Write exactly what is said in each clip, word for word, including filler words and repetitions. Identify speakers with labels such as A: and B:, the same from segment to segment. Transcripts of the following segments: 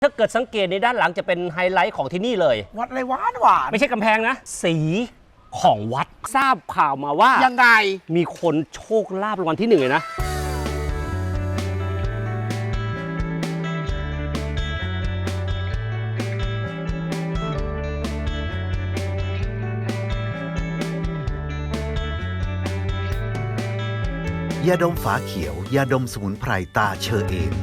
A: ถ้าเกิดสังเกตในด้านหลังจะเป็นไฮไลท์ของที่นี่เลย
B: วัดอะไรหวานหวาน
A: ไม่ใช่กำแพงนะสีของวัดทราบข่าวมาว่า
B: ยังไง
A: มีคนโชคลาภรางวัลที่หนึ่งเลยนะ
C: ยาดมฝาเขียวยาดมสมุนไพรตาเชอเอม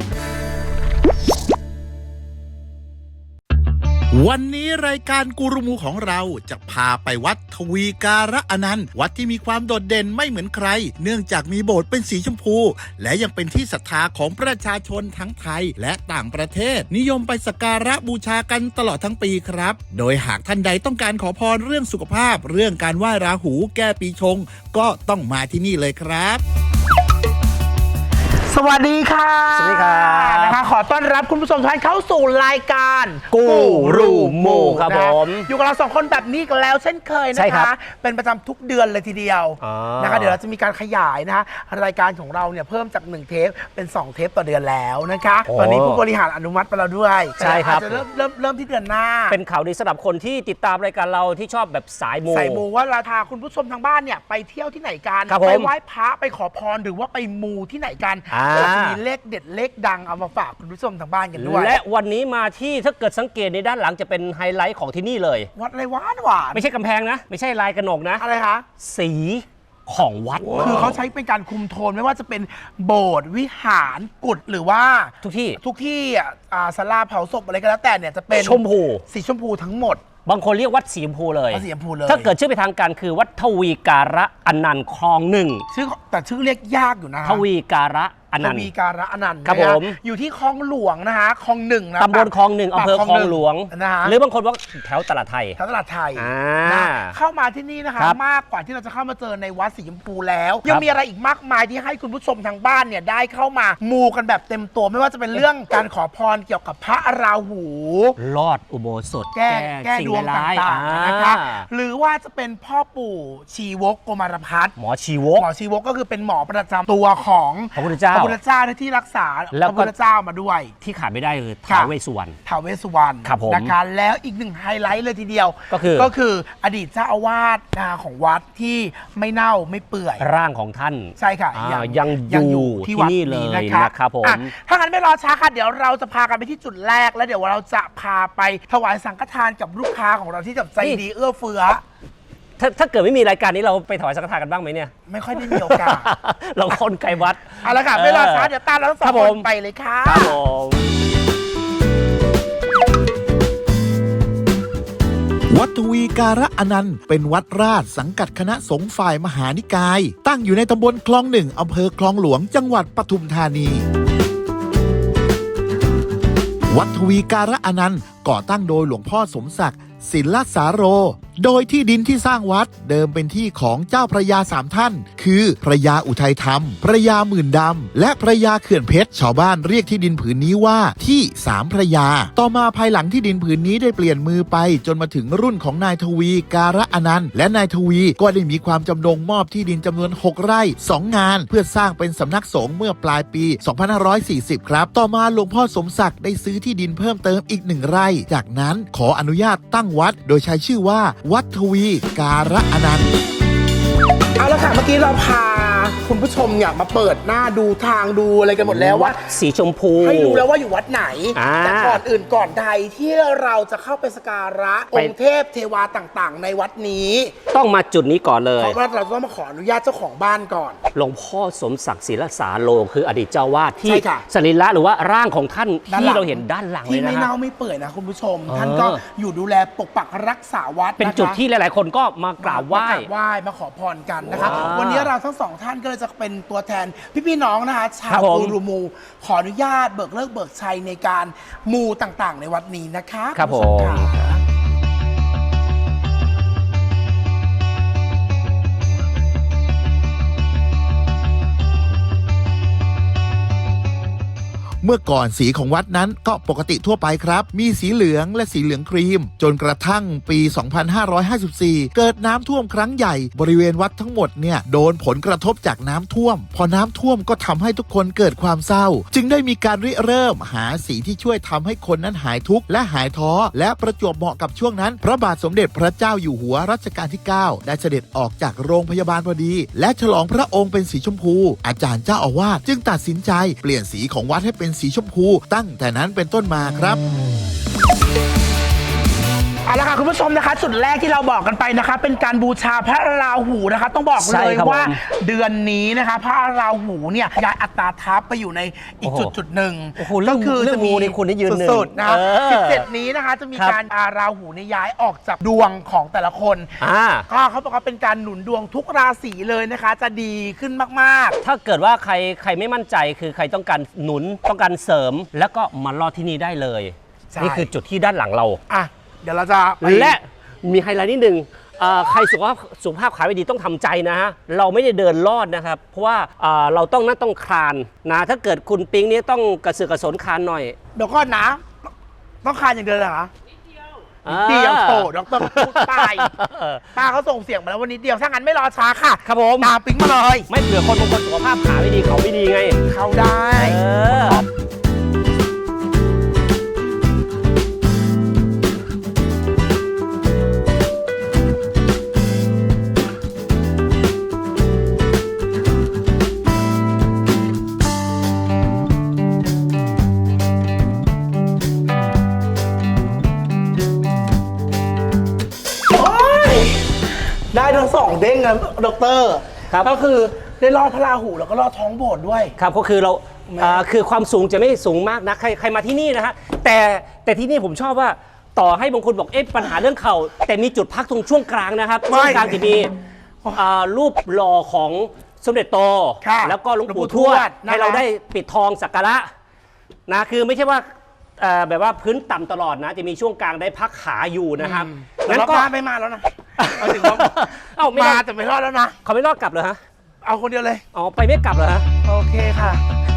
D: วันนี้รายการกูรูมูของเราจะพาไปวัดทวีการะอนันต์วัดที่มีความโดดเด่นไม่เหมือนใครเนื่องจากมีโบสถ์เป็นสีชมพูและยังเป็นที่ศรัทธาของประชาชนทั้งไทยและต่างประเทศนิยมไปสักการะบูชากันตลอดทั้งปีครับโดยหากท่านใดต้องการขอพรเรื่องสุขภาพเรื่องการไหว้ราหูแก้ปีชงก็ต้องมาที่นี่เลยครับ
B: สวัสดีค่ะ
A: สวัสดีครับ
B: นะคะขอต้อนรับคุณผู้ชมทุกท่านเข้าสู่รายการ
A: กูรูมูครับผม
B: อยู่กับเราสองคนแบบนี้กันแล้วเช่นเคยนะคะเป็นประจำทุกเดือนเลยทีเดียวนะคะเดี๋ยวเราจะมีการขยายนะคะรายการของเราเนี่ยเพิ่มจากหนึ่งเทปเป็นสองเทปต่อเดือนแล้วนะคะตอนนี้ผู้บริหารอนุมัติไปแล้วด้วย
A: ใช่ครับ
B: จะเริ่มเริ่มเริ่มที่เดือนหน้า
A: เป็นข่าวดีสำหรับคนที่ติดตามรายการเราที่ชอบแบบสายมู
B: สายมูว่าเราพาคุณผู้ชมทางบ้านเนี่ยไปเที่ยวที่ไหนกันไปไหว้พระไปขอพรหรือว่าไปมูที่ไหนกันจะมีเลขเด็ดเลขดังเอามาฝากคุณผู้ชมทางบ้านกันด้วย
A: และวันนี้มาที่ถ้าเกิดสังเกตในด้านหลังจะเป็นไฮไลท์ของที่นี่เลย
B: วัดอะไรหวานหวาน
A: ไม่ใช่กำแพงนะไม่ใช่ลายกระหนกนะ
B: อะไรคะ
A: สีของวัด
B: คือเขาใช้เป็นการคุมโทนไม่ว่าจะเป็นโบสถ์วิหารกุฏหรือว่า
A: ทุกที่
B: ทุกที่อ่าศาลาเผาศพอะไรก็แล้วแต่เนี่ยจะเป็น
A: ชมพู
B: สีชมพูทั้งหมด
A: บางคนเรียกวัดสีชมพูเลย
B: สีชมพูเลย
A: ถ้าเกิดชื่อไปทางการคือวัดทวีการะอนันต์คลองหนึ่ง
B: ชื่อแต่ชื่อเรียกยากอยู่นะ
A: ทวีการะอนันต์
B: ทวีการะอนันต์
A: ครับผม
B: อยู่ที่คลองหลวงนะคะคลองหนึ่งนะ
A: ตำบลคลองหนึ่งอำเภอคลองหลวงหรือบางคนว่าแถวตลาดไทย
B: แถวตลาดไทยเข้ามาที่นี่นะคะมากกว่าที่เราจะเข้ามาเจอในวัดสีชมพูแล้วยังมีอะไรอีกมากมายที่ให้คุณผู้ชมทางบ้านเนี่ยได้เข้ามามูกันแบบเต็มตัวไม่ว่าจะเป็นเรื่องการขอพรเกี่ยวกับพระราหู
A: ลอดอุโบสถ
B: แก้แก้ดวงต่างๆนะคะหรือว่าจะเป็นพ่อปู่ชีวกโกมารพัฒน์
A: หมอชีวก
B: หมอชีวกก็คือเป็นหมอประจำตัวของ
A: พระพุทธเจ้า
B: พระพุทธเจ้าที่รักษาพระพุทธเจ้ามาด้วย
A: ที่ขาดไม่ได้คือท้าวเวสสุวรรณ
B: ท้าวเวสสุวรรณนะคะแล้วอีกหนึ่งไฮไลท์เลยทีเดียว
A: ก็คือ
B: ก็คืออดีตเจ้าอาวาสของวัดที่ไม่เน่าไม่เปื่อย
A: ร่างของท่าน
B: ใช่ค่ะ
A: ยังอยู่ที่วัดนี้เลยนะครับผม
B: ถ้างั้นไม่รอช้าค่ะเดี๋ยวเราจะพากันไปที่จุดแรกแล้วเดี๋ยวเราจะพาไปถวายสังฆทานกับลูกค้าของเราที่แบบใจดีเอื้อเฟื้อ
A: ถ้าถ้าเกิดไม่มีรายการนี้เราไปถวายสังฆทานกันบ้างไหมเนี่ย
B: ไม่ค่อยได้มีโอกาส
A: เราคนไกลวัด
B: เอาละค่ะไม่รอช้าเดี๋ยวตามเราสองคนไปเลยค่ะ
A: ครับผม
D: วัดทวีการะอนันต์เป็นวัดราชสังกัดคณะสงฆ์ฝ่ายมหานิกายตั้งอยู่ในตำบลคลองหนึ่งอำเภอคลองหลวงจังหวัดปทุมธานีวัดทวีการะอนันต์ก่อตั้งโดยหลวงพ่อสมศักดิ์ศิลสาโรโดยที่ดินที่สร้างวัดเดิมเป็นที่ของเจ้าพระยาสามท่านคือพระยาอุทัยธรรมพระยาหมื่นดำและพระยาเขื่อนเพชรชาวบ้านเรียกที่ดินผืนนี้ว่าที่สามพระยาต่อมาภายหลังที่ดินผืนนี้ได้เปลี่ยนมือไปจนมาถึงรุ่นของนายทวีการะอนันต์และนายทวีก็ได้มีความจำนงมอบที่ดินจำนวนหกไร่สองงานเพื่อสร้างเป็นสำนักสงฆ์เมื่อปลายปีสองพันห้าร้อยสี่สิบครับต่อมาหลวงพ่อสมศักดิ์ได้ซื้อที่ดินเพิ่มเติมอีกหนึ่งไร่จากนั้นขออนุญาตตั้งวัดโดยใช้ชื่อว่าวัดทวีการะอนันต์
B: เอาละค่ะเมื่อกี้เราพาคุณผู้ชมเนี่ยมาเปิดหน้าดูทางดูอะไรกันหมดแล้ว
A: วัดสีชมพู
B: ให้รู้แล้วว่าอยู่วัดไหนแต่ก่อนอื่นก่อนใดที่เราจะเข้าไปสักการะองค์เทพเทวาต่างๆในวัดนี้
A: ต้องมาจุดนี้ก่อนเลย
B: เพราะว่าเราต้องมาขออนุญาตเจ้าของบ้านก่อน
A: หลวงพ่อสมศักดิ์ศิลสาโลคืออดีตเจ้าวาดที่สรีระหรือว่าร่างของท่านที่เราเห็นด้านหลังเลยนะ
B: ที่ไม่เน่าไม่เปื่อยนะคุณผู้ชมท่านก็อยู่ดูแลปกปักรักษาวัด
A: เป็นจุดที่หลายๆคนก็มากราบไหว้
B: ไหว้มาขอพรกันนะคะวันนี้เราทั้งสองท่านก็เลยจะเป็นตัวแทนพี่ๆน้องนะคะชาวกูรูมูขออนุญาตเบิกเลิกเบิกชัยในการมูต่างๆในวัดนี้นะคะ
A: ครับผม
D: เมื่อก่อนสีของวัดนั้นก็ปกติทั่วไปครับมีสีเหลืองและสีเหลืองครีมจนกระทั่งปี สองพันห้าร้อยห้าสิบสี่ เกิดน้ำท่วมครั้งใหญ่บริเวณวัดทั้งหมดเนี่ยโดนผลกระทบจากน้ำท่วมพอน้ำท่วมก็ทำให้ทุกคนเกิดความเศร้าจึงได้มีการริเริ่มหาสีที่ช่วยทำให้คนนั้นหายทุกข์และหายท้อและประจวบเหมาะกับช่วงนั้นพระบาทสมเด็จพระเจ้าอยู่หัวรัชกาลที่ เก้า ได้เสด็จออกจากโรงพยาบาลพอดีและฉลองพระองค์เป็นสีชมพูอาจารย์เจ้าอาวาสจึงตัดสินใจเปลี่ยนสีของวัดให้เป็นสีชมพูตั้งแต่นั้นเป็นต้นมาครับ
B: เอาละค่ะคุณผู้ชมนะคะจุดแรกที่เราบอกกันไปนะคะเป็นการบูชาพระราหูนะคะต้องบอกเลยว่าเดือนนี้นะคะพระราหูเนี่ยย้ายอัตราทัพไปอยู่ในอีกจุดจุดหนึ่งก็คือจะมี
A: ในคุณได้ยืนหนึ่ง
B: สุดๆนะคะสิบเจ็ดนี้นะคะจะมีการอาราหูเนี่ยย้ายออกจากดวงของแต่ละคนก็เขาบอกว่าเป็นการหนุนดวงทุกราศีเลยนะคะจะดีขึ้นมาก
A: ๆถ้าเกิดว่าใครใครไม่มั่นใจคือใครต้องการหนุนต้องการเสริมแล้วก็มารอที่นี่ได้เลยนี่คือจุดที่ด้านหลังเรา
B: อ่ะเดี๋ยวเราจะ
A: และมีไฮไลท์นิดนึงใครสุขภาพสุขภาพขาไม่ดีต้องทำใจนะฮะเราไม่ได้เดินลอดนะครับเพราะว่าเราต้องนั่งต้องคลานนะถ้าเกิดคุณปิ๊งนี้ต้องกระเสือกกระสนคลานหน่อย
B: เดี๋ยวก่อนนะต้องคลานอย่างเดียวเหรอนิดเดียวโตดรพูดไปป้าเขาส่งเสียงมาแล้ววันนี้เดียวถ้างั้นไม่รอช้าค่ะ
A: ครับผม
B: ตามปิ๊งมาเลย
A: ไม่เผื่อคนบางคนสุขภาพขาไม่ดีเขาไม่ดีไง
B: เขาได้ได้ทั้งสองเด้งนะดร.ก็คือได้ลอดพระราหูแล้วก็ลอดท้องโบสถ์ด้วย
A: ครับก็คือเราคือความสูงจะไม่สูงมากนะใครใครมาที่นี่นะฮะแต่แต่ที่นี่ผมชอบว่าต่อให้บางคนบอกเอ๊ะปัญหาเรื่องเข่าแต่มีจุดพักตรงช่วงกลางนะครับช่วงกลางจะมีรูปหล่อของสมเด็จโตแล้วก็หลวงปู่ทวดให้เราได้ปิดทองสักการะนะคือไม่ใช่ว่าแบบว่าพื้นต่ำตลอดนะจะมีช่วงกลางได้พักขาอยู่นะครับ
B: งั้นก็ไม่มาแล้วนะเอาถึงว่าเอามาแต่ไม่รอดแล้วนะ
A: เขาไม่รอดกลับเหรอฮะ
B: เอาคนเดียวเลย
A: อ๋อไปไม่กลับเหรอฮะ
B: โอเคค่ะ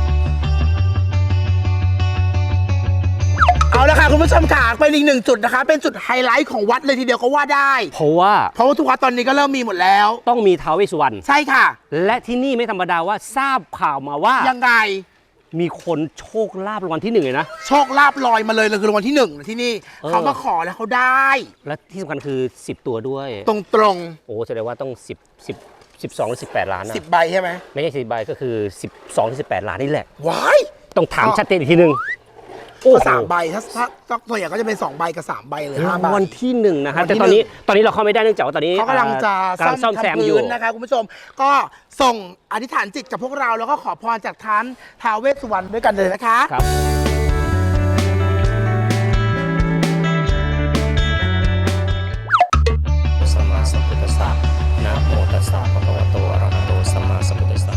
B: เอาละค่ะคุณผู้ชมค่ะเป็นอีกหนึ่งจุดนะคะเป็นจุดไฮไลท์ของวัดเลยทีเดียวก็ว่าได้
A: เพราะว่า
B: เพราะว่าทุกวัดตอนนี้ก็เริ่มมีหมดแล้ว
A: ต้องมีท้าวเวสสุวรรณ
B: ใช่ค่ะ
A: และที่นี่ไม่ธรรมดาว่าทราบข่าวมาว่า
B: ยังไง
A: มีคนโชคลาภรางวัลที่หนึ่งเลยนะ
B: โชคลาภลอยมาเลยเลยคือรางวัลที่หนึ่งที่นี่เขามาขอแล้วเขาได้
A: และที่สำคัญคือสิบตัวด้วย
B: ตรงตรง
A: โอ้แสดงว่าต้องสิบ สิบ สิบสองหรือสิบแปดล้านนะ
B: สิบใบใช่ไหม
A: ไม่ใช่สิบใบก็คือสิบสองถึงสิบแปดล้านนี่แหละ
B: ว้าย
A: ต้องถามชัดเจนอีกทีนึง
B: โอ้สามใบถ้าถ้าตัวอย่างก็จะเป็นสองใบกับสามใบเลยห้าใบ
A: วันที่หนึ่งนะครับแต่ตอนนี้ตอนนี้เราเข้าไม่ได้เนื่องจากว่าตอนนี้
B: เขากำลังจะซ่อมแซมอยู่นะคะคุณผู้ชมก็ส่งอธิษฐานจิตกับพวกเราแล้วก็ขอพรจากท่านท้าวเวสสุวรรณด้วยกันเลยนะคะ
A: ครับสัมมาสัมพุทธัสสะนะโมตัสสะภะคะวะโตอะระหะโตสัมมาสัมพุทธัสสะ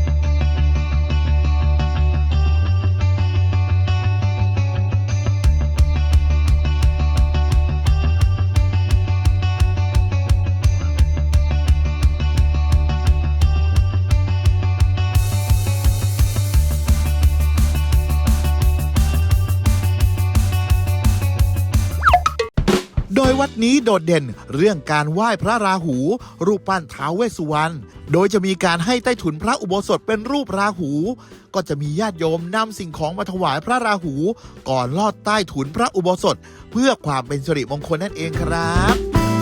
D: โดยวัดนี้โดดเด่นเรื่องการไหว้พระราหู รูปปั้นท้าวเวสสุวรรณโดยจะมีการให้ใต้ถุนพระอุโบสถเป็นรูปราหูก็จะมีญาติโยมนำสิ่งของมาถวายพระราหูก่อนลอดใต้ถุนพระอุโบสถเพื่อความเป็นสิริมงคลนั่นเองครับ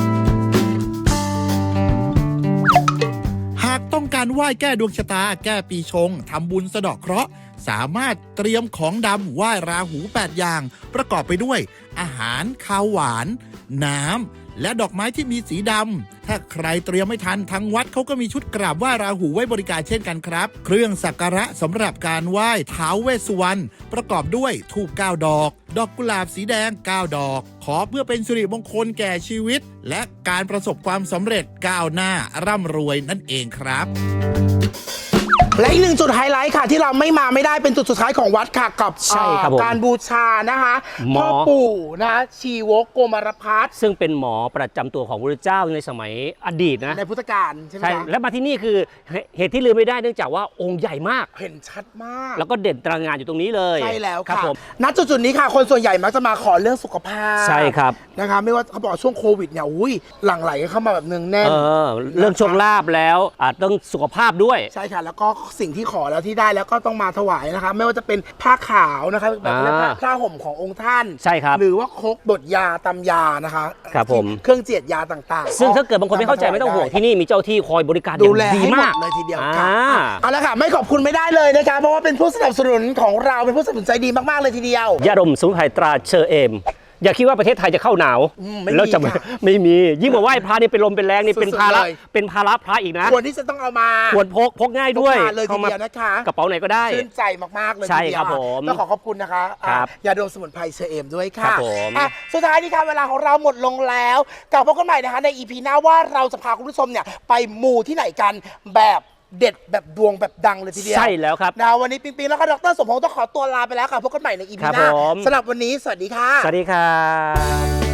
D: หากต้องการไหว้แก้ดวงชะตาแก้ปีชงทำบุญสะเดาะเคราะห์สามารถเตรียมของดำไหว้ราหูแปดอย่างประกอบไปด้วยอาหารข้าวหวานน้ำและดอกไม้ที่มีสีดำถ้าใครเตรียมไม่ทันทางวัดเขาก็มีชุดกราบไหว้ราหูไว้บริการเช่นกันครับเครื่องสักการะสำหรับการไหว้ท้าวเวสสุวรรณประกอบด้วยธูปเก้าดอกดอกกุหลาบสีแดงเก้าดอกขอเพื่อเป็นสิริมงคลแก่ชีวิตและการประสบความสำเร็จก้าวหน้าร่ำรวยนั่นเองครับ
B: และอีกหนึ่งจุดไฮไลท์ค่ะที่เราไม่มาไม่ได้เป็นจุดสุดท้ายของวัดค่ะกับ
A: ใช่ครับผม
B: การบูชานะคะ
A: หมอ
B: พ่อปู่นะคะชีวกโกมารพัฒน์
A: ซึ่งเป็นหมอประจำตัวของพระเจ้าในสมัยอดีตนะ
B: ในพุทธกาลใช่ไหม
A: ใช่
B: คะ
A: และมาที่นี่คือเหตุที่ลืมไม่ได้เนื่องจากว่าองค์ใหญ่มาก
B: เห็นชัดมาก
A: แล้วก็เด่นตระหงานอยู่ตรงนี้เลย
B: ใช่แล้ว
A: ครับ
B: ค่ะ
A: ผม
B: ณจุดจุดๆนี้ค่ะ คนส่วนใหญ่มักจะมาขอเรื่องสุขภาพ
A: ใช่ครับ
B: นะคะไม่ว่าเขาบอกช่วงโควิดเนี่ยอุ้ยหลั่งไหลเข้ามาแบบเนืองแน่น
A: เออเรื่องโชคลาภแล้วอาจต้องสุขภาพด้วย
B: ใช่ค่ะ แล้วก็สิ่งที่ขอแล้วที่ได้แล้วก็ต้องมาถวายนะคะ ไม่ว่าจะเป็นผ้าขาวนะคะแบบ
A: อ่า
B: ผ้าห่มขององค์ท่าน
A: ใช่ครับ
B: หรือว่าครกบดยาตำยานะคะ
A: ครับผม
B: เครื่องเจียดยาต่างๆ
A: ซึ่งถ้าเกิดบางคนไม่เข้าใจไม่ต้องห่วงที่นี่มีเจ้าที่คอยบริการอ
B: ดู
A: ย่าง
B: แล
A: ดี
B: ให้หม
A: มา
B: ด
A: ก
B: เลยทีเดียว
A: อ่า
B: ค่ะเอาละค่ะไม่ขอบคุณไม่ได้เลยนะคะเพราะว่าเป็นผู้สนับสนุนของเราเป็นผู้สนับสนุนใจดีมากๆเลยทีเดียว
A: ยาดมสมุนไพรตราเชอเอม อย่าคิดว่าประเทศไทยจะเข้าหนาว
B: อืมไม่มี
A: แล้วจะ
B: ค่ะ
A: ไม่มียิ่งกว่าไหว้พระนี่เป็นลมเป็นแรงนี่
B: สุดๆ
A: เป็นภาระ
B: เลย
A: เป็นภาระพระอีกนะ
B: ควรที่จะต้องเอามา
A: ควรพกพกง่ายด้วย
B: พกพาเลยที
A: เข้ามา
B: เดียวนะคะ
A: กระเป๋าไหนก็ได้
B: ชื่นใจมากๆเลย
A: ใช่
B: ทีเดียว
A: ครับผม
B: ต้องขอขอบคุณนะคะ
A: ครับ
B: อ่ะยาดมสมุนไพรเชอเอมด้วย
A: ครั
B: ค่ะ
A: บผม
B: อ่ะสุดท้ายนี้ค่ะเวลาของเราหมดลงแล้วกลับพบกันใหม่นะคะในอีพีหน้าว่าเราจะพาคุณผู้ชมเนี่ยไปมูที่ไหนกันแบบเด็ดแบบดวงแบบดังเลยทีเดียว
A: ใช่แล้วครับ
B: นะวันนี้ปิงปิงแล้วก็ดรสมพงษ์ต้องขอตัวลาไปแล้วค่ะพบกันใหม่ในอีพี
A: ครับ
B: หน้า
A: ผม
B: สำหรับวันนี้สวัสดีค่ะ
A: สวัสดีครับ